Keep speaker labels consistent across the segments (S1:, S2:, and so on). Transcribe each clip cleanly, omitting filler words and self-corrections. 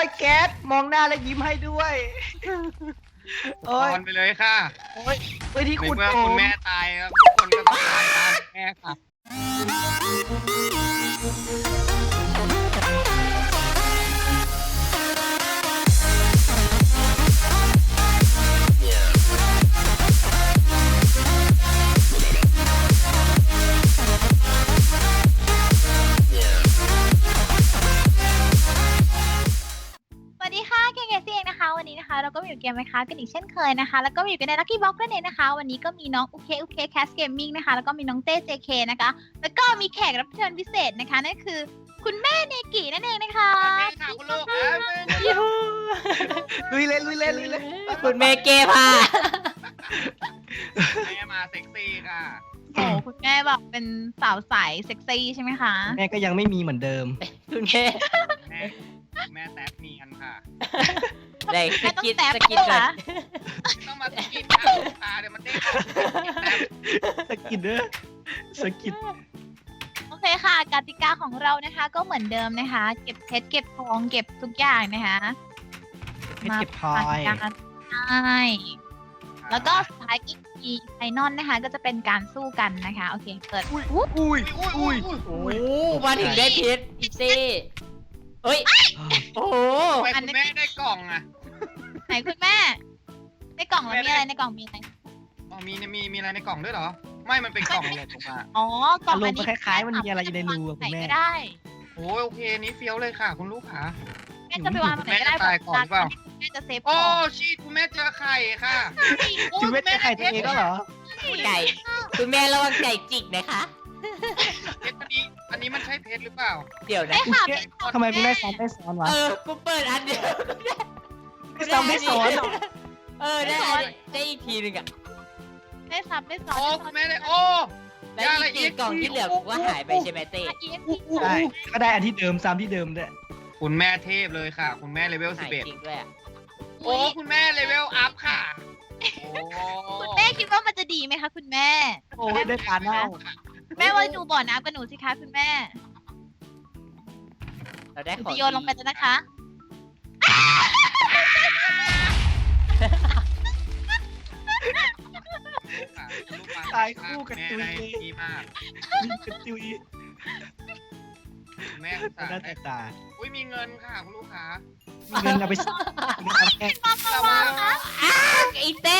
S1: ยแก๊สมองหน้าแล้วยิ้มให้ด้วยโอ้ย
S2: นอนไปเลยค่ะ
S1: โอ้ยไปที่
S2: ใน
S1: ขุด
S2: เมื่อ
S1: ผ
S2: คุณ
S1: ม
S2: แม่ตายแล้วทุกคนก็ต้องตายตามแม่ค่ะ
S3: สวัสดีค่ะเกมเกมซี่เองนะคะวันนี้นะคะเราก็มาอยู่เกมไหมคะกันอีกเช่นเคยนะคะแล้วก็มาอยู่กันใน Lucky Box นั่นเองนะคะวันนี้ก็มีน้องอุเคแคสเกมมิ่งนะคะแล้วก็มีน้องเต้ JK นะคะแล้วก็มีแขกรับเชิญพิเศษนะคะนั่นคือคุณแม่เนกินั่นเองนะคะ
S2: แม่ค่ะคุณลูก
S1: ลุยเล่นลุยเล่นลุยเล่น
S4: คุณเมเกพา
S2: แม่มาเซ็กซี่ค่ะ
S3: โอ้โหคุณแม่แบบเป็นสาวใสเซ็กซี่ใช่ไหมคะ
S1: แม่ก็ยังไม่มีเหมือนเดิม
S4: คุณเม
S2: แม่แต๊บเนียนค่ะ
S4: ได้ส
S3: แม่ต้อง
S4: กิด
S3: แซ่บ
S4: สกิด
S3: ด้วย
S4: ก่อ
S3: นะ
S4: น
S2: ต้องมาสกินค่ะลูกค้าเดี๋ยวมันเด้งออกแต๊บ
S1: สะกิดเด้อสะกิด
S3: โอเคค่ะกติกาของเรานะคะ ก็เหมือนเดิมนะคะ เก็บเพชรเก็บทองเก็บทุกอย่างนะคะ
S1: เพชรเก็บพลอย
S3: การใช่แล้วก็สุดท้ายอีกทีไฟนอลนะคะ ก็จะเป็นการสู้กันนะคะโอเคเปิด
S1: อุ้ยอุ้ย
S2: อุ้ย
S4: โอ้มาถึงได้เพชรอีซี่เอ้ย โอ้โห
S2: ทำไมคุณแม่ได้กล่องอ่ะ
S3: ไหนคุณแม่ ในกล่องเรามีอะไรในกล่องมีอะไร
S2: อ๋อมีอะไรในกล่องด้วยเหรอ ไม่มันเป็นกล่องหลบออกมา
S3: อ๋อกล่อง
S1: อารมณ์มันคล้ายๆมันมีอะไรอยู่ในรูอะ
S3: ไหน
S1: คุณแม่
S3: ก็ได้
S2: โอ้ยโอเคนี้เฟี้ยวเลยค่ะ คุณลูกค้า
S3: แม่จะไปวางตรงไหนก็ได้
S2: แม่จะตายก่อนหรือเปล่า
S3: แม่จะเซฟข
S2: โอ้
S3: อง
S2: ชีคุณแม่เจอไข่ค่ะ
S1: คุณแม่จะไข่ตัวเองก็เหรอ
S4: ไก่ คุณแม่ระวังไก่จิกนะคะ
S2: เพชรอันนี้มันใช่เพชรหรือเปล่า
S4: เดี๋ยวนะ
S3: ได้ค่ะ
S1: ทำไมคุณแม่ซ้อนได้ซ้อนวะ
S4: กูเปิดอันเดียว
S1: ไม่ซ้ำไม่ซ้อนหรอ
S4: ได้อีกทีหนึ่งอะ
S3: ได้ซับได้ซ้อน
S2: โอ้คุณแม่ได้โอ้
S4: แล้วอีกสี่กล่องที่เหลือกูว่าหายไปใช่ไหมเต้
S1: ใช่ก็ได้อันที่เดิมซ้ำที่เดิมด้วย
S2: คุณแม่เทพเลยค่ะ คุณแม่เลเวล
S4: หายจริงด้วยอะ
S2: 11โอ้คุณแม่เลเวลอัพค่ะโอ้
S3: คุณแม่คิดว่ามันจะดีไหมคะคุณแม่
S1: โอ้ยได้ปลาเน่า
S3: แม่ว่าดูบ่อน้ำกับหนูสิคะคุณแม่
S4: เราได้
S3: หนู
S4: ของ
S3: จะโยนลงไปแล้วนะคะ
S1: ตายคู่กันตุย
S2: แม่
S1: เล
S2: ได้
S1: ย
S2: ดีมาก
S1: กันตุย
S2: คุณแม่อุตส่า
S1: น่า
S2: ห์
S1: จะ
S2: ได้
S1: ตาย
S2: อุ้ยมีเงินค่ะคุณลูกค้า
S1: มีเงินเอาไปซื้อน้ำแข็ง
S2: แต่ว่า
S4: ไอ้เต้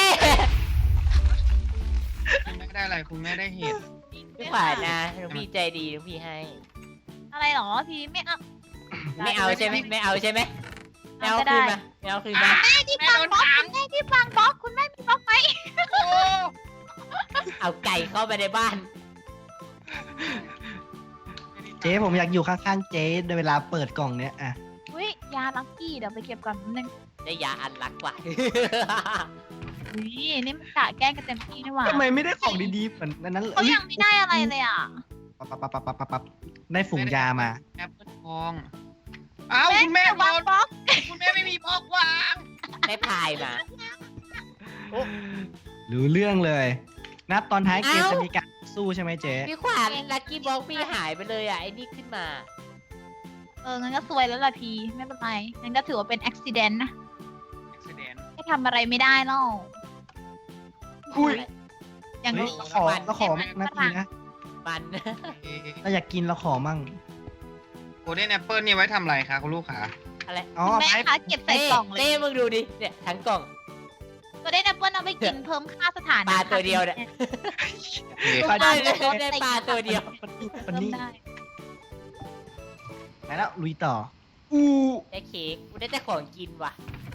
S2: คุณแม่ได้อะไรคุณแม่ได้เห็ด
S4: พี่ขวานะน้องพี่ใจดีน้องพี่ให้
S3: อะไรหรอพี่ไม่เอา
S4: ไม่เอาใช่ไหมไม่เอาใช่ไหมไม่เอา
S3: ก็
S4: คื
S3: ได้
S4: นมาไม่เอาคืนมา
S3: แม่ที่ฟังบล็อกคุณแม่ที่ฟังบล็อกคุณแม่มีบล็อกไหม
S2: โอ้
S4: เอาไก่เข้าไปในบ้าน
S1: เจ๊ผมอยากอยู่ข้างๆเจ๊ในเวลาเปิดกล่องเนี้ยอ่ะ
S3: อุ้ยยาลักกี้เดี๋ยวไปเก็บก่อนนิดนึง
S4: ได้ยาอันรักกว่า
S3: อุ้ยนี่มันกะแกล้งกันเต็มที่นี่หว่า
S1: ทำไมไม่ได้ของดีๆเหมือนอันนั้น
S3: เขายังไม่ได้อะไรเลยอ่ะ
S1: ปั๊บได้ฝูงยามา
S2: แอปเปิลทองอ้าวคุณแม่
S3: จะ
S2: โด
S3: วาง
S2: น
S3: บล็อก
S2: คุณแม่ไม่มีบล็อกวาง
S4: ได้พายมา
S1: รู้เรื่องเลยนัดตอนท้ายเกม
S4: เอ้า
S1: จะมีการสู้ใช่ไหมเจ๊
S4: พี่ขวานลักกี้บ็อกพี่หายไปเลยอ่ะไอ้นี่ขึ้นมา
S3: งั้นก็ซวยแล้วล่ะพีไม่เป็นไรงั้นก็ถือว่าเป็นอุบิเหตุนะ
S2: แสดง
S3: ไม่ทำอะไรไม่ได้หรอก
S1: อุ้ย
S3: อย่าง
S1: เฮ้ย
S3: นี้
S1: เราขอนาทีนะ
S4: มัน
S1: เราอยากกินเราขอมั่ง
S2: โกลเด้นแอปเปิลนี่ไว้ทำอะไรคะคุณลูกค้า
S4: อะไร
S1: อ๋อ
S3: คุณแม่
S1: ไม้
S3: คะเก็บใส่กล่องเลย
S4: เต้มึงดูดิเนี่ยทั้งกล่อง
S3: ก็ได้แอปเปิลเอาไปกินเพิ่มค่าสถานะ
S4: ปลาตัวเดียวเนี่ย
S2: โอเค
S4: ได้ปลาตัวเดียว
S1: วัน
S3: เพิ่ม
S1: นี้
S3: ได้
S1: ไปแล้วลุยต่ออู้
S4: ได้เค้กกูได้แต่ของกินว่ะ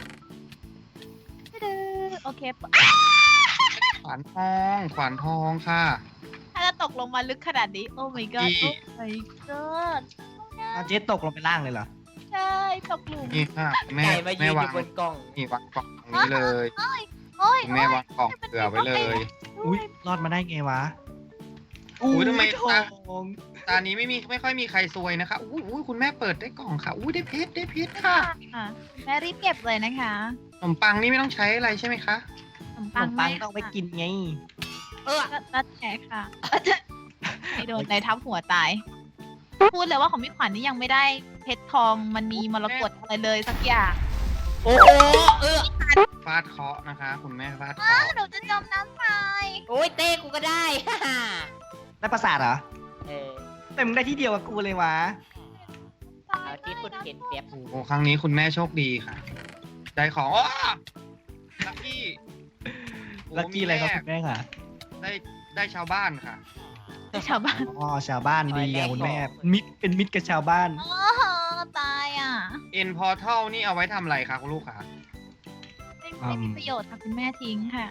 S3: โอเค
S2: ขวานทองขวานทองค่ะ
S3: ถ้าจะตกลงมาลึกขนาดนี้ โอ้ my god โอ้ my god
S1: เอาเจ๊ตกลงไปล่างเลยเหรอ
S3: ใช่ตกหลุม
S2: นี่ค่ะแม่
S4: ไก่มายื
S2: แม่
S4: นอ
S2: วาง
S4: ยู่บนกล่อง
S2: นี่วางกล่องตรงนี้เลย
S3: โอ้ย
S2: คุณแม่วางกล่องเผื่อไว้เลย
S1: อุ้ยรอดมาได้ไงวะ
S2: อุ๊ยทำไม
S1: ทอง
S2: ตอนนี้ไม่ค่อยมีใครซวยนะคะอุ้ยคุณแม่เปิดได้กล่องค่ะอุ้ยได้เพชรค่ะ
S3: ค่ะแม่รีบเก็บเลยนะคะ
S2: ขนมปังนี่ไม่ต้องใช้อะไรใช่ไหมคะ
S3: ขนม
S1: ข
S3: ปั
S1: น
S3: ง
S1: มปังต้องไปกินไง
S4: เออ
S3: รัดแขกค่ะไม่โดนในทับหัวตายพูดเลยว่าของพี่ขวัญนี่ยังไม่ได้เพชรทองมันมีมรกตอะไรเลยสักอย่าง
S4: โอ้โห
S2: ฟาดเคราะห์นะคะ คุณแม่ฟาดเค
S3: อ้า
S2: ราะห์
S3: หนูจะจมน้ำตาย
S4: โอ้ยเต้กูก็ได้
S1: ได้ประสาทเหรอ
S4: เออ
S1: แต่มึงได้ที่เดียวกับกูเลยวะ
S4: เอาที่พูดเห็นเปรียบ
S2: โอ้โหครั้งนี้คุณแม่โชคดีค่ะ ได้ของอ้อลักกี้โอ้
S1: ลัคกี้อะไรครับ
S2: มี
S1: คุณแม่ค่ะ
S2: ได้ชาวบ้านค่ะ
S3: ชาวบ้าน
S1: อ๋อชาวบ้านดีอะคุณแม่เป็นมิตรกับชาวบ้าน
S3: อ๋อตายอ่ะ
S2: เอ็นพอร์ทัลนี่เอาไว้ทำอะไรคะคุณลูกคะ
S3: ไม่มีประโยชน์ค่ะคุณแม่ทิ้งค่ะ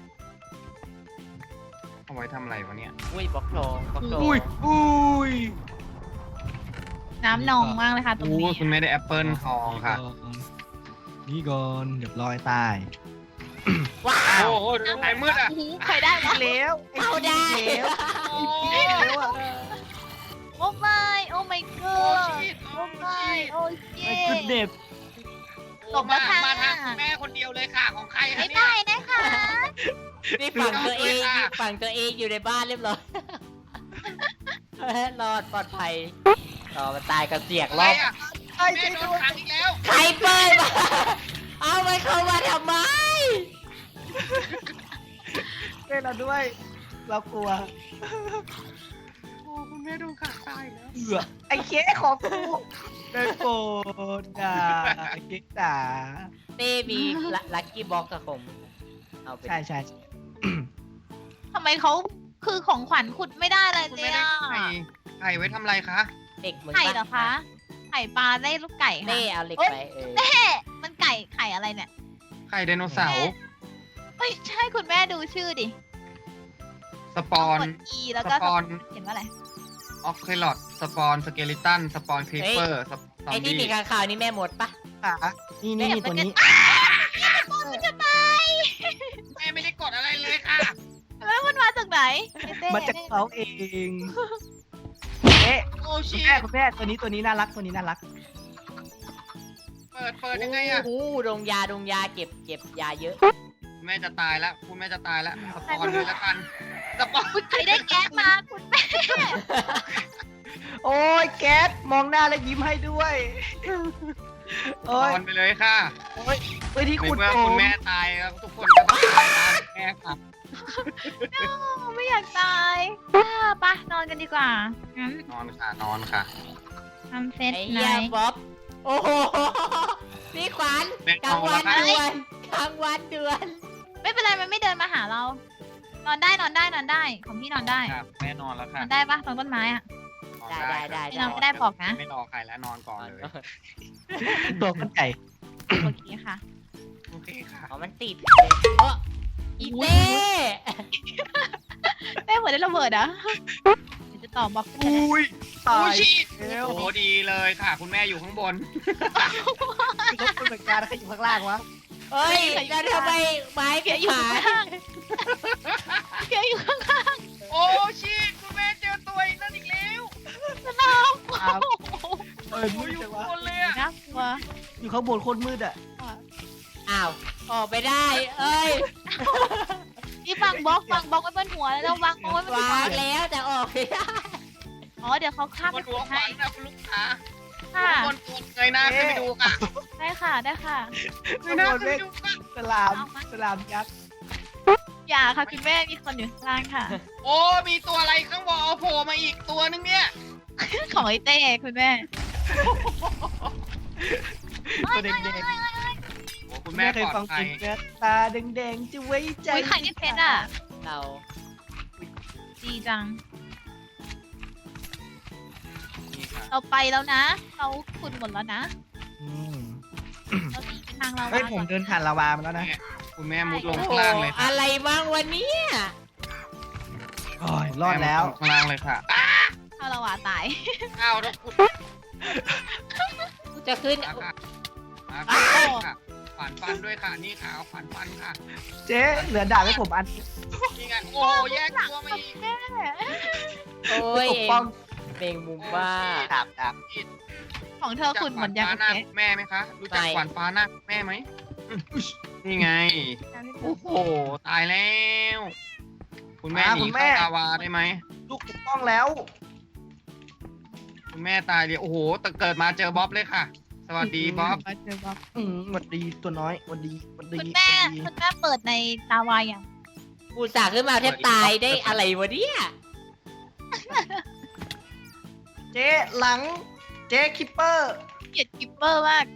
S2: เอาไว้ทำอะไรวะเนี่ย
S4: อุ้ยบล็อกทองบล็อกทอง
S1: อุ้ย
S3: น้ำนองมากเลยค่ะตรง
S2: โอ้
S3: นี้
S2: คุณแม่ได้แอปเปิลทองค่ะ
S1: นี่ก่อนเรียบร้อยตาย
S4: ว้า
S2: โอ้
S4: ว
S2: โหไหนมืดอ่ะ
S3: โอ้โหใครได้วะ
S1: แล้วไอ้
S4: เอาได้
S1: แล้ว
S2: โอ้
S1: แล้วอะ
S3: โอ้ไม่โอ้ my
S2: โอ้
S3: god
S2: ชิต
S3: โอ้ไม่โอ้เย่
S1: ไอ้กุดเด็บ
S3: ตบแล้วค่ะ
S2: มาทางคุณแม่คนเดียวเลยค่ะ ของใครคะ
S3: ไม่
S2: เนี่ย
S3: ได้นะคะ
S4: นี่ฝั่งตัวเอง
S2: เอาเลยค่ะ
S4: ฝั่งตัวเองอยู่ในบ้านเรียบร้อยรอดปลอดภัยต่อมาตายกับเสียก
S2: อะ
S4: ร
S2: ไร
S4: อบ
S2: อ่ะ
S1: ไอ้
S2: แม่
S1: เจ๊
S2: โด
S1: ด้
S2: น
S1: วย
S2: ขังอีกแล้ว
S4: ใครเปิดมาเอาไปเข้ามาทำไม
S1: เจ๊เราด้วย เรากลัว
S2: โอ้คุณแม่โดนขังตายแล้ว
S1: ไอ้เค้กของกูได้โปรดด่าไอ้เค้กด่า
S4: เต้มีลัคกี้บ็อกกับผมเอาไป
S1: ใช่
S3: ทำไมเขาคือของขวัญขุดไม่ได้เลย
S2: คุณ
S3: เล
S2: แม่
S3: ย
S2: ได้
S3: อ่ะ
S2: ไข่ไว้ทำอะไรคะ
S4: เด็กเหมือน
S3: ไข่เหรอคะ ไข่ปลาได้ลูกไก่ค่ะ
S4: เต้เอาเหล็กไป
S3: เน่มันไข่อะไรเนี่ย
S2: ไข่ไดโนเสาร์
S3: ไม่ใช่คุณแม่ดูชื่อดิ
S2: สปอน
S3: กด E แล้วก็
S2: สปอน
S3: เขียนว่าอะไร
S2: ออกเคลอดสปอนสเกลิตันสปอนครีเปอร์สปอน
S4: ไอ้ที่มีข้างข่าวนี่แม่หมดปะ
S1: ค่ะนี่ตัวนี้
S3: มันจะตาย
S2: แม่ไม่ได้กดอะไรเลยค่ะ
S3: แล้วมันมาจากไหนเต้
S1: มาจากเขาเองเอ๊ะ
S2: โอ้
S1: คุ
S2: ชิ
S1: ณแม่ตัวนี้น่ารักตัวนี้น่ารัก
S2: เปิดยังไงอ่ะ
S4: โอ้โหดงยาเก็บยาเยอะ
S2: แม่จะตายแล้วคุณแม่จะตายแล้วสปอนเลยละกันสปอน
S3: คุณใครได้แก๊สมาคุณแม่
S1: โอ้ยแก๊สมองหน้าแล้วยิ้มให้ด้วย
S2: ส
S1: โอ้
S2: ป
S1: ย
S2: อนไปเลยค่ะ
S1: โอ้ยที่
S2: ใน
S1: คุณ
S2: เมื่อ
S1: โอ
S2: คุณ
S1: ม
S2: แม่ตายแล้วทุกคนก็ต้องตายตามแม่ค่ะ
S3: ไม่อยากตายปะนอนกันดีกว่างั้น
S2: นอนค่ะนอนค่ะ
S3: ทำเซต
S4: ไอ้
S3: ไหน
S4: เหี้ยบ๊อบโอ้โหพี่ขวัญ
S2: แม่
S4: กลางวัน
S2: เอาละ
S4: เดือนกลางวันเดือน
S3: ไม่เป็นไรมันไม่เดินมาหาเรา นอนได้ของพี่นอนได้
S2: ครับแม่นอนแล้ว
S3: น
S2: ค่ะ
S3: อนได้ปะตรงต้นไม้อะ
S2: นอน
S4: ได้
S3: ไม่นอนไม่ได้บอกนะ
S2: ไม่รอใครแล้วนอนก่อนเลย
S1: ตัวกันไก่
S3: โอเคค่ะ
S2: โอเคค่ะ
S4: อ๋อมันติดโอ้อีเต้
S3: แม่เหมือนได้ระเบิดอะเดี๋ยวจะตอบบล็อกกันนะ
S1: อุ้ยตา
S2: โอ้
S1: ย
S2: ชิ
S1: แล้ว
S2: โอ้โหดีเลยค่ะ คุณแม่อยู่ข้างบน
S1: เขาเป็นเหมือนกันใครอยู่ข้างล่างวะ
S4: เฮ้ยแล้วทำไมไม้
S3: เพี
S4: เพี
S3: ย
S4: ย
S3: อยู่
S4: ขา
S3: ข้างๆข้าง
S2: โอ้ชิคุณแม่เจอตัวอีกนั่นอีกแล้ว
S1: ครับเออ
S2: โอ้
S1: มื
S2: ย
S1: ด
S2: อยู่
S1: จัง
S2: ข้าง
S1: วะ
S2: บนเลยอะ
S3: น่ากลัว
S1: อยู่ข้างบนโคตรมืดอ่ะ
S4: อ้าวออกไปได้เอ้ย
S3: นี่ฟังบล็อกไว้บนหัวแล้ววางบล็อกไว้บนหั
S4: วาว งแล้วแต่ออกไม่ได้
S3: อ๋อเดี๋ยวเขาข้าม
S2: บ
S3: ไป
S2: นหัวข
S3: ให้
S2: วัญนะคุณลูกค้า
S3: ค่ะ
S2: บนตัวเงยหน้าขึ้นไปดูค่ะ
S3: ได้ค่ะได้ค่ะ
S2: เงยหน้าขึ้นไปดูค่ะ
S1: สลามยักษ์
S3: อย่าค่ะคุณแม่มีคนอยู่ข้างล่างค่ะ
S2: โอ้มีตัวอะไรข้างบนเอาโผล่มาอีกตัวนึงเนี่ย
S3: ของไอเต้คุณแม่
S1: ตัวแดง
S2: โอ้คุณ
S1: ๆ
S2: แม่
S1: เคย
S2: ปล
S1: ฟั
S2: อง ด
S1: เพ
S2: ภั
S1: ล
S2: ย
S1: งเนี้ยตาแดงๆจะไว้ใจ
S3: อุ้ยไข่นี่เพชรอ่ะ
S4: เรา
S3: ดีจัง
S2: นี่ค่ะ
S3: เราไปแล้วนะ เราขุดหมดแล้วนะ
S1: อืม
S3: เราหนีไปทางเรา
S1: เฮ้ยผมเดินผ่านลาวามาแล้วนะ
S2: คุณแม่มุดลง
S4: โอ้
S2: ข้างล่างเลยค่ะ
S4: อะไรบ้างวันนี้
S1: โอ้ยรอดแล้ว
S2: ข้างล่างเลยค่ะ
S3: ถ้าเราว่าตาย
S2: อ้าวแล้วคุณ
S4: กูจะขึ้น
S2: มาค่ะมาค่ะขวานฟันด้วยค่ะนี่ค่ะเอาขวานฟันค่ะ
S1: เจ๊เหลือดาบให้ผมอัน
S2: นี่ไงโอ้แยกตัวมาอีก
S4: โอ้ย
S1: ปกป้อง
S4: เมงมุมบ้า
S1: ดาบ
S3: ของเธอขุดหมดยัง
S2: ข
S3: โอ
S2: วานฟ้าหน้า
S3: เค
S2: แม่ไหมคะรู้จัก
S4: ไม่
S2: ขวานฟ้าหน้าแม่ไหมนี่ไงโอ้โหตายแล้ว คุณแม่หนีเข้าลาวาได้ไหม
S1: ลูกปกป้องแล้ว
S2: โคุณแม่ตายเลยโอ้โหแต่เกิดมาเจอบ๊อบเลยค่ะ สวัสดีบ๊อบ
S1: มาเจอบ๊อบหวัดดีตัวน้อยหวัดดีหวัดดี
S3: คุณแม่เปิดในตาวาอย่าง
S4: กูสาขึ้นมาแทบตายได้อะไรวะเนี่ย
S1: เจ๊หลังเจ๊คิปเปอร์
S3: เกลียดกิปเปอร์มาก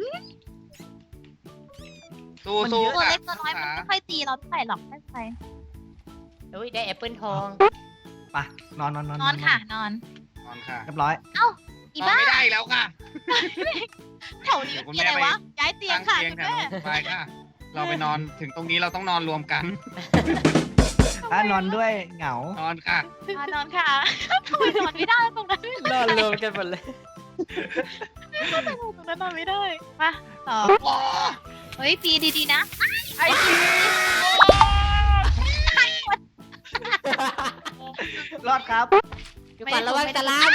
S2: สู้
S3: ตัว
S2: ค่ะ
S3: เล็กตัวน้อยมันไม่ค่อยตีเราเท่าไหร่หรอกไม่เป็นไร
S4: เฮ้ยได้แอปเปิลทอง
S1: ไปนอน
S3: นอนค่ะนอน
S2: นอนค่ะ
S1: เรียบร้อย
S3: อี
S2: นอน
S3: บ้า
S2: ไม่ได้แล้วค่ะ
S3: แถวนี้มีอะไรวะย้ายเตียง
S2: ตั้ง
S3: ค่ะ
S2: เตียง
S3: คุณ
S2: ค่ะ
S3: แม่
S2: ไปค่ะ เราไปนอนถึงตรงนี้เราต้องนอนรวมกัน
S1: ถ้านอนด้วยเหงา
S2: นอนค่ะ
S3: นอนค่ะทำไมนอนไม่ได้ตรงนั้น
S4: นอนรวมกันหมดเลย
S3: ตรงนั้นนอนไม่ได้มาต่อเฮ้ยตีดีๆนะ
S1: ไอ้รอดครับ
S4: อยู่ก่อนระวังตะลาม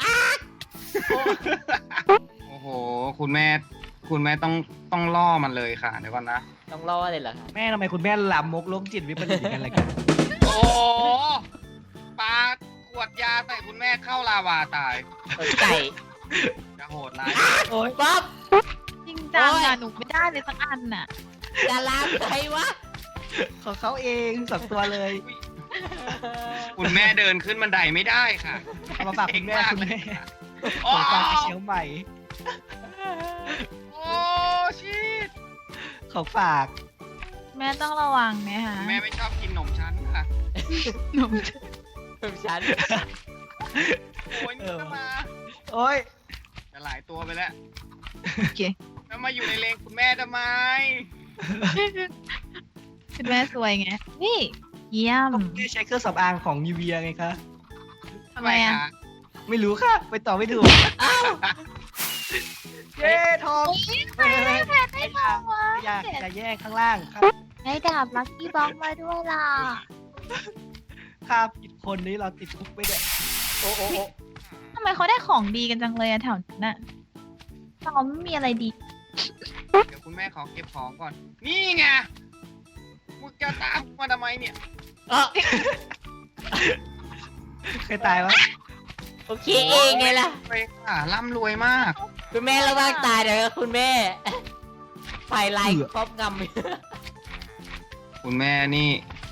S2: โอ้โห คุณแม่ต้องล่อมันเลยค่ะเดี๋ยวก่อนนะ
S4: ต้องรอเลยเหรอครับ
S1: แม่ทำไมคุณแม่ลามกโรคจิตวิปริตกันอะไรกัน
S2: โอ้โหปาขวดยาใส่คุณแม่เข้าลาวาตาย
S4: ไก่
S2: จะโหดร้าย
S1: โอ้ย
S4: บ๊อบ
S3: จริงจังอะหนูไม่ได้เลยสักอันน่ะ
S4: ตะลามใครวะ
S1: ของเขาเองสองตัวเลย
S2: คุณแม่เดินขึ้นบันไดไม่ได้ค่ะ
S1: เอามาฝากคุณแม่คุณแม่
S2: โอ้
S1: ของฝากไปเชียงใหม่
S2: โอ้ชิต
S1: ของฝาก
S3: แม่ต้องระวังนะคะ
S2: แม่ไม่ชอบกินขนมชั้นค่ะ
S3: หนู
S4: ถึงฉัน
S2: โอ้ยนี่ก็มา
S1: โอ้ย
S2: จะหลายตัวไปแล้ว
S3: โอเค
S2: แล้วมาอยู่ในเลงคุณแม่ทำไม
S3: คุณแม่สวยไงนี่เยี่ยม
S1: แค่ใช้เครื่องสำอางของยูเวียไงคะ
S3: ทำไมอะ
S2: คะ
S1: ไม่รู้ค่ะ ไปต่อไม่ถูกเย้ทอง
S3: ใครได้แพทได้ทองวะ
S1: อย่าแยกข้างล่างครับ
S3: ได้ดาบลัคกี้บ็อกมาด้วยล่ะ
S1: ค่าผิดคนนี้เราติดคุกไปเนี่ย
S4: โอ้โอ้โอ้
S3: ทำไมเขาได้ของดีกันจังเลยอะแถวนั้นน่ะเราไม่มีอะไรดี
S2: เดี๋ยวคุณแม่ขอเก็บของก่อน นี่ไงมึงจะตามกูมาทำไมเนี่ย
S4: เออ
S1: เคยตายวะ
S4: โอเคเองไงล่ะ
S2: ไปค่ะร่ำรวยมาก
S4: คุณแม่ระวังตายเดี๋ยวคุณแม่ ไฟไล่ครอบง
S2: คุณแม่นี่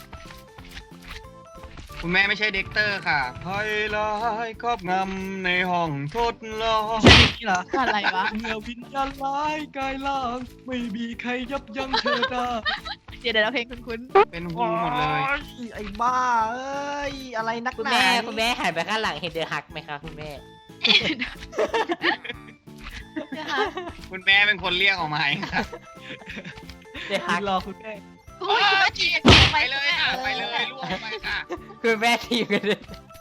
S2: คุณแม่ไม่ใช่เด็กเตอร์ค่ะไฮไลท์ครอบงำในห้องทดลอง
S1: ใช่นี่เหรอ
S3: อะไรวะ
S1: เมื่อวิญญาณร้ายกายล่าง ไม่มีใครยับยั้งเธอได้
S3: เดี๋ยวเพลงคุ้น
S2: เป็นฮูหมดเลย
S1: โอ้ไอ้บ้าเอ้ย อะไรนัก
S4: ำคุณ
S1: หนา
S4: แม่
S1: นี่
S4: คุณแม่หันไปข้างหลังเห็นเดอะฮักไหมคะคุณแม่
S3: ๆนะคะ
S2: คุณแม่เป็นคนเรียกออกมาเองค่ะ
S4: เดอะฮัก
S1: รอคุณแม่
S3: อุ้ยคุณแม่จีบ
S2: ไปเลยค่ะ ไปเลยล่วงไปค่ะ
S4: คุณแม่ทีมกันเลย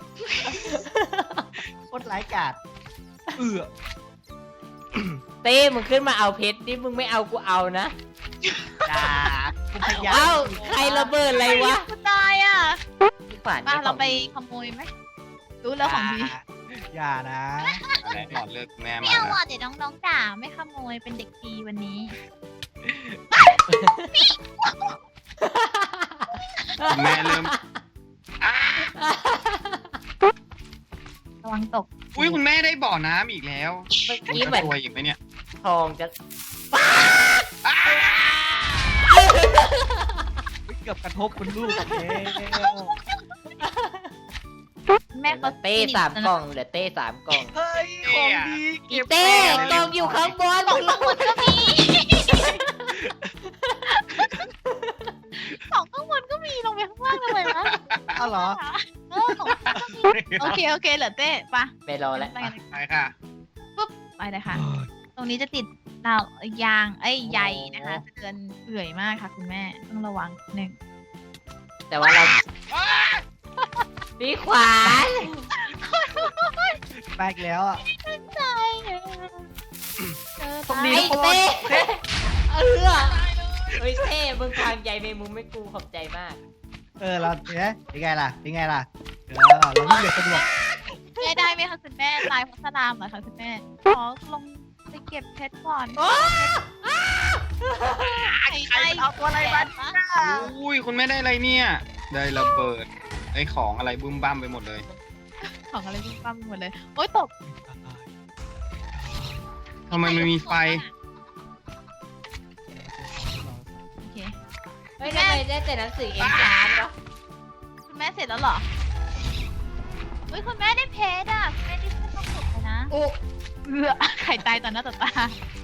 S1: โคตรร้ายกาจเออ
S4: เต้มึงขึ้นมาเอาเพชรนี่มึงไม่เอากูเอานะ
S1: อย่าคุณพยายาม
S4: เอ้าใครระเบิดอะไรวะ
S3: กูตายอ่ะ
S4: พี่ขวัญ
S3: มาเราไปขโมยไหมรู้แล้วของดี
S1: อย่านะ
S2: อะไรหมดเลิกแม่
S3: ไม่
S2: มา
S3: เอา
S2: แล้ว
S3: อ่ะเดี๋ยวน้องๆด่าไม่ขโมยเป็นเด็กดีวันนี้
S2: คุณแม่เริ่มอ้า
S3: ระวังตก
S2: อุ้ยคุณแม่ได้บ่อน้ำอีกแล้ว
S4: เมื่อกี้เหมือน
S2: ตัวอีกไหมเนี่ย
S4: ทองจะ
S2: อ้า
S1: เกือบกระทบคุณลูกแล้ว
S3: แม่เขา
S4: เต้สามกล่องเหลือเต้สามกล่อง
S1: เฮ้ย ของดี
S4: อี
S1: เก็บ
S4: เต้กล่องอยู่ข้างบน
S3: ของทั้งหมดก็มีของข้างบนก็มีลงไปข้างล่างทำไมวะ
S1: เอาเหรอ
S3: เออของข้างบนก็มีโอเคเหลือเต้ปะ
S4: ไม่รอแล้ว
S3: ไปกันเลย
S2: ไปค่ะ
S3: ไปเลยค่ะ ตรงนี้จะติดดาวยางใยนะคะจะเดินเอื่อยมากค่ะคุณแม่ต้องระวังหนึ่ง
S4: แต่ว่าเรา
S2: อ้า
S4: พี่ขวาน
S1: ไปอีกแล้วอ่ะ
S3: ใจ
S1: ตรงนี้
S4: ไอ้เต้เฮ้ยเต้มึงทางใหญ่ในมุมไม่กูขอบใจมาก
S1: เราเนี่ยเป็นไงล่ะเป็นไงล่ะเราวิ่งเร็วสะดวก
S3: ได้ไหมคะคุณแม่ลายพัสลามเหรอคะคุณแม่ขอลงไปเก็บเพชรก่อน
S1: ใครเอาตัวอะไรมา
S2: อุ้ยคุณแม่ได้อะไรเนี่ย ได้ระเบิดไอ้ของอะไรบึ้มบ้ามไปหมดเลย
S3: ของอะไรวิ่งปั้มหมดเลยโอ๊ยตก
S2: ทำไมมันมีไฟ
S3: โอเค
S4: เฮ้ยทำไมได้แต่หนังสือเอ็นชานวะ
S3: คุณแม่เสร็จแล้วเหรอเฮ้ยคุณแม่ได้เพชรอ่ะคุณแม่ได้เพชรต้องสุดเลยนะ
S4: โอ้
S3: ไข่ตายต่อหน้าต่อตา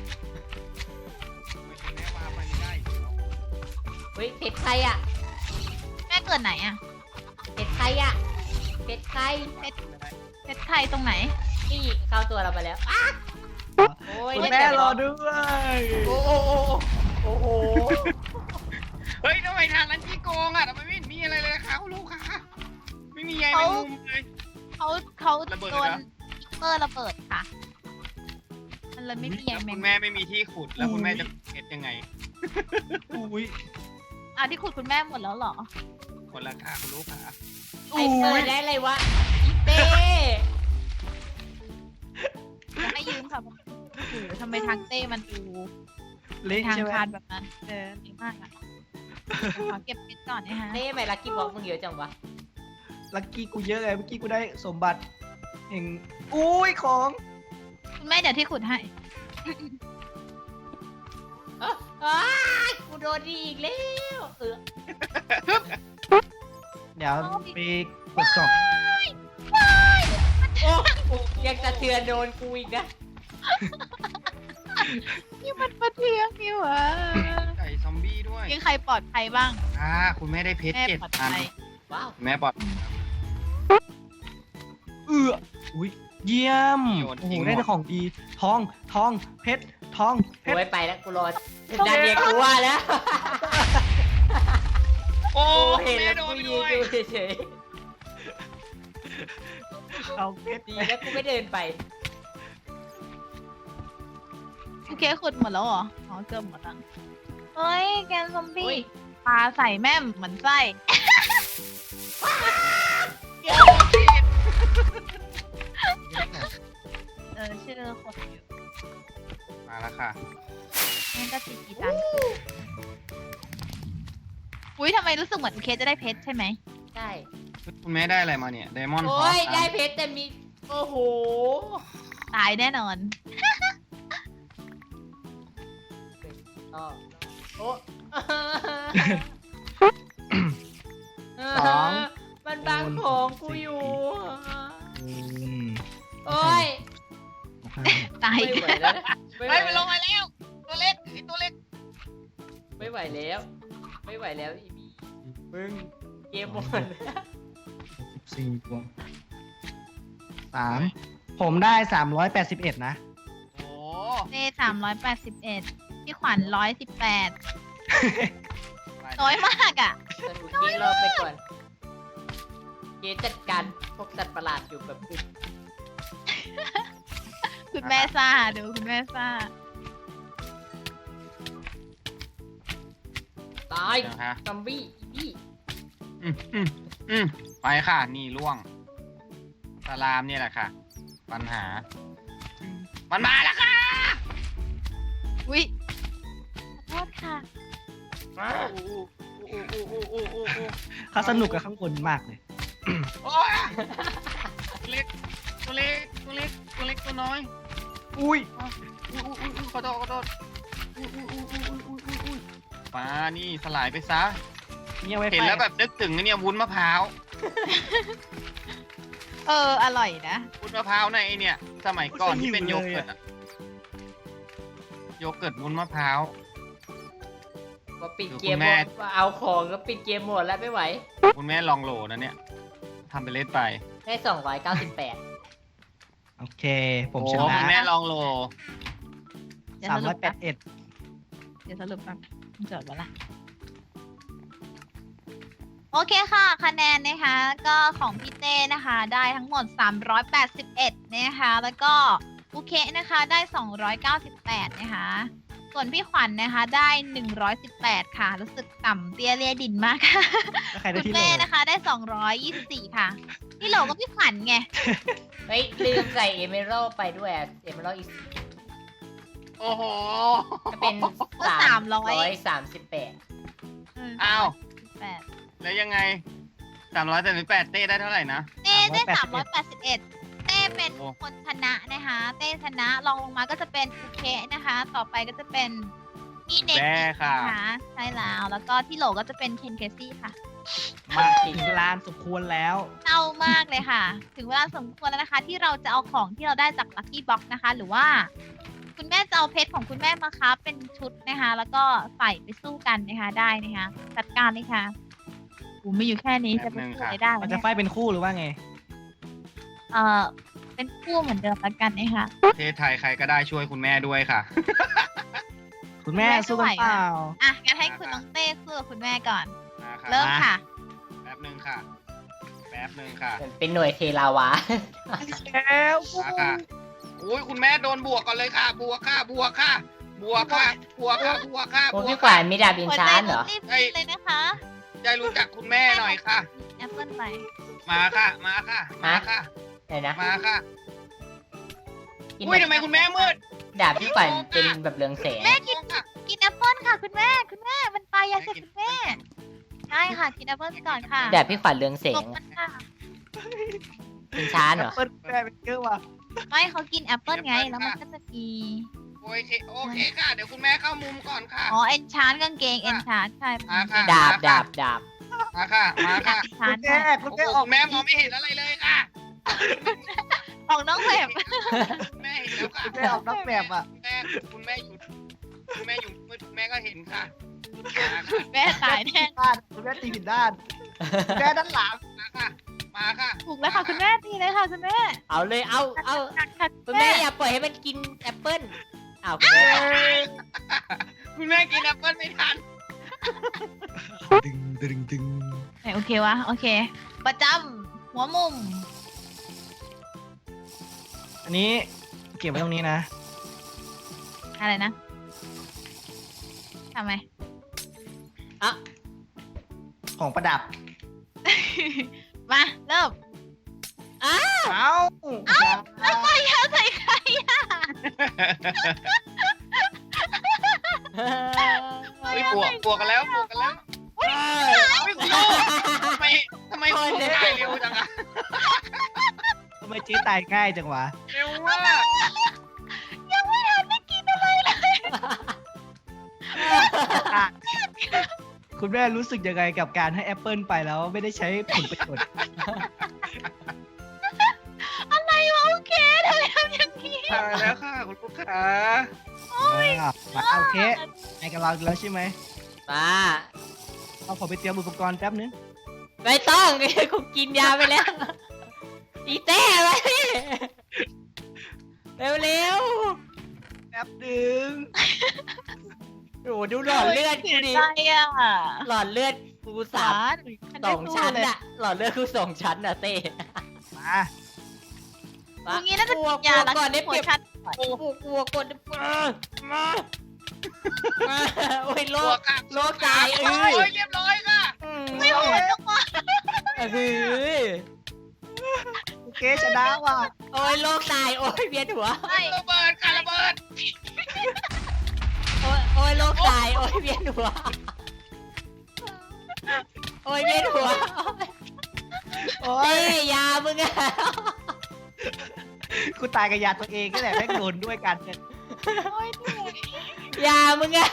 S2: แม่ว่าไปไม่ได้
S4: เฮ้ยเพชรใครอ่ะ
S3: แม่เกิดไหนอ่ะ
S4: เพชรใครอ่ะเพชรใคร
S3: เพชรไข่ตรงไหน
S4: นี่เข้าตัวเราไปแล้วอ้าโอ้ย
S1: คุณ
S4: ได้
S1: แม่
S4: แต่
S1: รอด้วย
S4: โอ้โหโอ้โห
S2: เฮ้ยทำไมทางนั้นที่โกงอ่ะทำไมไม่มีอะไรเลยคะคุณลูกค้าไม่มีใยแมงมุมเลย
S3: เขา
S2: ระเบิด
S3: โด
S2: เลย
S3: น
S2: เหรอ
S3: เมอร์ระเบิดค่ะ มันเลยไม่มีใย
S2: แล้ว
S3: แม
S2: คุ
S3: ง
S2: ณแม่ไม่มีที่ขุดแล้วคุณแม่จะเก็บยังไง
S1: อุ้ย
S3: อ่ะที่ขุดคุณแม่หมดแล้วเหรอ
S2: คนละค่าคุณลูกค้า
S4: ไอเปิดได้เลยวะอีเต้
S3: จะให้ยืมค่ะโอ้โหทำไมทางเต้มันดู
S1: เละ
S3: ทาง
S1: ใช่ไหม
S3: คานแบบนั้นเละมากอ่ะขอเก็บเพชรก่อนนะฮะ
S4: เต้ทำไมลักกี้บ็อกมึงเยอะจังวะ
S1: ลักกี้กูเยอะไงเมื่อกี้กูได้สมบัติแห่งอุ้ยของ
S3: คุณแม่เดี๋ยวที่ขุดให้
S4: อ้ากูโดนดีอีกแล้ว
S1: เดี๋ยวไปกดกล่อง
S4: โอ้ยังสะเทือนโดนกูอีกนะ
S3: นี่มันประเทืองนี่หวะ
S2: ไก่ซอมบี้ด้วย
S3: ยังใครปลอดภัยบ้าง
S2: คุณแม่ได้เพชร
S3: แม่
S2: 7
S3: ปลอด
S2: อัน
S3: ภัย
S4: ว้าว
S2: แม่ปลอด
S1: อุ้ยเยี่ยม
S2: โยน
S1: โอ้โห
S2: ทิ้งหมด
S1: ได้แต่ของดีทองเพชรทองเพ
S4: กู
S1: ชร
S4: ไม่ไปแล้วกูรอดันเนียกูว่าแล้ว
S2: โอ้
S4: กู
S2: คุ
S4: เห็
S2: ณ
S4: น
S2: แม่
S4: แล้ว
S2: โด
S4: กู
S2: นไป
S4: ยื
S2: ด้
S4: น
S2: วย
S4: ดูเฉย
S1: ทองเพชร
S4: ๆดีแล้วกูไม่เดินไป
S3: โอเคขุดหมดแล้วเหรออ๋อเกือบหมดแล้วเฮ้ยแกนซอมบี้
S4: อุ๊ย
S3: ปลาใส่แม่มเหมือนไส้ ชื่อคนอยู่
S2: มาแล้วค่ะ
S3: นี่ก็จีจังอุ้ยทำไมรู้สึกเหมือนเคสจะได้เพชรใช่ไหม
S4: ใช่
S2: คุณแม่ได้อะไรมาเนี่ยไดมอนด์
S4: โอ้ยได้เพชรแต่มีโอ้โห
S3: ตายแน่นอน
S4: อ๋อโอ้
S1: สอง
S4: มันบังของกูอยู่
S1: อืม
S4: โอ้ย
S3: ตาย
S4: ไม่ไหวแล้วนะไม่ไหว
S2: เฮ้ยมันลงมาแล้ว ตัวเล็กไอตัวเล็ก
S4: ไม่ไหวแล้ว ไม่ไหวแล้วอีบีมึงเกมหมดแล้ว
S1: 14ตัว3ผมได้381นะ
S2: โอ้
S3: เต้381พี่ขวัญ118น้อยมากอ่ะ
S4: สนุกเกมรอไปก่อน เกมจัดการพวกสัตว์ประหลาดอยู่แบบอึด
S3: คุณแม่ซ่าดูคุณแม่ซ่า
S4: ตาย
S2: เดี๋ยวฮะ
S4: ซอมบี้อีบี้
S2: ไปค่ะ นี่ล่วงสลามเนี่ยแหละค่ะ ปัญหา มันมาแล้วค่ะ
S3: อุ้ยขอโทษค่ะ
S1: เขาสนุกกับข้างบนมากเลย
S2: โอ้ยตัวเล็ก ตัวเล็ก ตัวเล็ก ตัวเล็กตัวน้อย
S1: อุ้ย
S2: ขอโทษขอโทษปลานี่สลายไปซะ
S1: เนี่ยไว้
S2: เห็นแล้วแบบนึกถึงไอ้เนี่ยวุ้นมะพร้าว
S3: อร่อยนะ
S2: วุ้นมะพร้าวในไอเนี่ย สมัยก่อนที่เป็นโยเกิร์ตอะโยเกิร์ตวุ้นมะพร้าว
S4: ว่าปิดเก
S2: คุ
S4: ม
S2: ณ
S4: ห
S2: แม่
S4: มดว่าเอาของก็ปิดเกมหมดแล้วไม่ไหว
S2: คุณแม่ลองโหลนะเนี่ยทำไปเล่นไป
S4: ได้298
S1: โอเค ผม
S2: โอ้
S1: ช
S2: คุ
S1: นะ
S2: ณแม่ลองโหล
S3: เดี๋ยวสรุปแป๊บ
S1: 381
S3: เดี๋ยวสรุปแป๊บจดไว้ละโอเคค่ะ คะแนนนะคะ ก็ของพี่เต้นะคะ ได้ทั้งหมด381นะคะ แล้วก็อุเคนะคะได้298นะคะ ส่วนพี่ขวัญนะคะได้118ค่ะ รู้สึกต่ำเตี้ยเลียดินมากค่ะ
S1: แล้วใครได้
S3: คุณ
S1: ที่โหล
S3: แม่นะคะได้224ค่ะพี่โหลก็พี่ขวัญไง
S4: เฮ้ยลืมใส่เอเมอรัลไปด้วยอะเอเมอรัลอีก
S2: โอ้โห
S4: จะเป็น
S3: ก็
S4: 338
S2: อ้าว
S3: 8
S2: แล้วยังไง338เต้ได้เท่าไหร่นะ
S3: เต้ได้
S1: 381
S3: 381 เต้เป็นคนชนะนะคะ เต้ชนะรองลงมาก็จะเป็นอุเคนะคะ ต่อไปก็จะเป็นอีเน็ก
S2: แม่ค่ะ
S3: นะคะใช่แล้วก็ที่โหลก็จะเป็นเคนเคซี่ค่ะ
S1: มาถึงลานสมควรแล้ว
S3: เศร้ามากเลยค่ะ ถึงเวลาสมควรแล้วนะคะ ที่เราจะเอาของที่เราได้จากลัคกี้บ็อกนะคะ หรือว่า คุณแม่จะเอาเพชรของคุณแม่มาค้าเป็นชุดนะคะ แล้วก็ใส่ไปสู้กันนะคะได้นะคะจัดการเลยค่ะกูไม่อยู่แค่นี้จะไปสู้อะไรได้
S1: มัน
S3: วะ
S1: จะ
S3: เนี่ย
S1: ไฟเป็นคู่หรือว่าไง
S3: เป็นคู่เหมือนเดิมแล้วกันนะคะ
S2: ประเทศไทยใครก็ได้ช่วยคุณแม่ด้วยค่ะ
S1: คุณแม่สู้กันเปล่า
S3: อ่ะงั้นให้คุณน้องเต้สู้กับคุณแม่ก่อน
S2: มาค่ะ
S3: เริ่มค่ะ
S2: แป๊บหนึ่งค่ะ แป๊บหนึ่งค่ะ
S4: เป็นหน่วยเทลาวะ
S1: แล้ว
S2: มาค่ะอุ้ยคุณแม่โดนบวกก่อนเลยค่ะ บวกค่ะ บวกค่ะ บวกค่ะ บวกค่ะ บวกค่ะ
S4: โอ้
S2: บว
S4: พี่
S2: ก
S4: ขวั
S2: ค่ะ
S4: ญมีดาบอินชานเหรอ
S3: รีบๆเลยนะคะ
S2: ใจรู้จักคุณแม่หน่อยค่ะ
S3: แอปเปิลไป
S2: มาค่ะ มาค่ะ มาค่ะ
S4: ไหนนะ
S2: มาค่ะ อุ้ยทำไมคุณแม่มืด
S4: ดาบพี่ขวัญเป็นแบบเรืองแสง
S3: แม่กินแอปเปิลค่ะคุณแม่มันปลายาเสพติดคุณแม่ใช่ค่ะกินแอปเปิลไปก่อนค่ะ
S4: ดาบพี่ขวัญเรืองแส
S3: ต
S4: ง
S3: บมันค่ะ
S4: อินชานเหรอ
S1: เปิ้ลแม่เป็นเกลือว่ะ
S3: ไม่เขากินแอปเปิลไงแล้วมันก็จะมี
S2: โอเคโอเคค่ะ เดี๋ยวคุณแม่เข้ามุมก่อนค่ะ
S3: อ๋อเอนชานกางเกงเอนชานใช่
S2: มาค่ะ
S4: ดาบ
S2: มาค่ะ มา
S3: ดา
S2: ค่ะ
S3: บชาน
S1: คุณแม่คุณ
S2: โอ้โห
S1: แม่ออก
S2: คุณแม่มองไม่เห็นอะไรเลยค่ะ
S3: ของน้องแบบ
S2: คุณแม่เห็นแล้วค่ะ
S1: คุณแม่ออกนอกแบบอ่ะ
S2: คุณแม่อยู่คุณแม่ก็เห็นค่ะ
S3: แม่ตายแน่
S1: ด้านคุณแม่ตีผิดด้านคุณแม่ด้านหลัง
S2: มาค่ะ มาค่ะ
S3: ถูกแล้วค่ะคุณแม่ตีเลยค่ะคุณแม่
S4: เอาเลยเอา
S3: ค่ะ
S4: คุณแม่อย่าปล่อยให้มันกินแอปเปิ้ลอ้าวคุณแม่
S2: คุณแม่กินแอปเปิ้ลไม่ทัน
S1: ดึง
S3: โอเควะโอเค ประจำหัวมุม
S1: อันนี้เก็บไว้ตรงนี้นะ
S3: อะไรนะทำไม
S4: อ่ะ
S1: ของประดับ
S3: มาเริ่ม
S1: เอ้า
S3: แล้วไปยาใส่ใครอ่ะ
S2: เฮ้ยบวกกันแล้วบวกกันแล้วเฮ้ยคุณลูกทำไมคุณตายเร็วจังอะ
S1: ทำไมเจ๊ตายง่ายจังวะ
S2: เร็วมาก
S3: ยังไม่ทันได้กินอะไรเลย
S1: คุณแม่รู้สึกยังไงกับการให้แอปเปิลไปแล้วไม่ได้ใช้ผลประโยชน์
S3: อะไรวะโอเคทำไมทำอย่างนี้
S2: ตายแล้วค่ะคุณลูกค้า
S1: มาโอเคไอ้กับเราแล้วใช่ไหม
S4: มา
S1: เอาผมไปเตรียมอุปกรณ์แป๊บนึง
S4: ไม่ต้องกูกินยาไปแล้ว อีแต้ไปเร็วเร็ว
S1: แป๊บนึง
S4: โอ้ดูหลอดเลือดกูดิ
S3: อะไรอ่ะ
S4: หลอดเลือดกูสามสองชั้นอะหลอดเลือดกูสองชั้นอะเต้
S1: มา
S3: อย่างนี้น่าจะ
S4: กลัว
S3: ยา
S4: ก่อนได้
S3: หั
S4: เป
S3: ว
S4: รียบ
S3: ชัด
S4: กลัวก่อนมาโอ้ยโล
S2: บว
S4: ก
S2: กค่ะ
S4: โลกตาย
S2: โอ้ยเรียบร้อยค่ะ
S3: ไม่โหดจังวะ
S1: โอเคชนะว่ะ
S4: โอ้ยโลกตายโอ้ยเวียนหัว
S3: ไม่
S2: ระเบิดค่ะระเบิด
S4: โอ้ยโลกตายโอ้ยเวียนหัวโอ้ยเวียนหัว
S1: โอ้
S4: เอ้
S1: ย
S4: ยยามึงอะ
S1: กูตายกับยาตัวเองก็แหละแม่งโดนด้วยกันเนี่ย
S3: โอ้ยเหนื่อย
S4: ยามึงอะ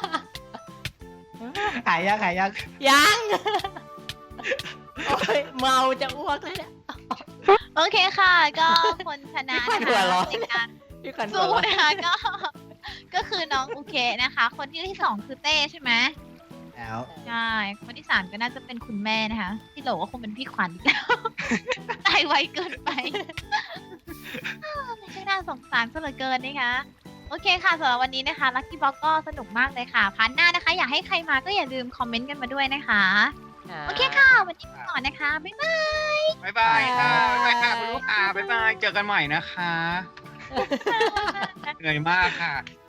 S1: หายยัง
S4: ยังโอ้ยเมาจะอ้วกเลยเนี่ย
S3: โอเคค่ะ ก็คนชนะ
S4: พี่ขวัญ
S3: นะ
S4: หัว
S3: คะ
S4: เราะ
S3: ในการ
S4: พี่ขวัญ
S3: สู้
S4: หัวเราะ
S3: นะคะก็คือน้องโอเคนะคะ คนที่สองคือเต้ใช่ไหม
S1: แล้ว
S3: ใช่คนที่สามก็น่าจะเป็นคุณแม่นะคะ ที่โหลก็คงเป็นพี่ขวัญอีกแล้ว ตายไวเกินไปไม่ใช่น่าสงสารซะเหลือเกินนะคะโอเคค่ะสำหรับวันนี้นะคะลัคกี้บ็อกก็สนุกมากเลยค่ะพาร์ทหน้านะคะ อยากให้ใครมาก็อย่าลืมคอมเมนต์กันมาด้วยนะคะ โอเคค่ะ วันนี้ไปก่อนนะคะ บ๊ายบาย
S2: บ๊ายบายค่ะบ๊ายบายค่ะคุณลูกค้าบ๊ายบายเจอกันใหม่นะคะ เหนื่อยมากค่ะ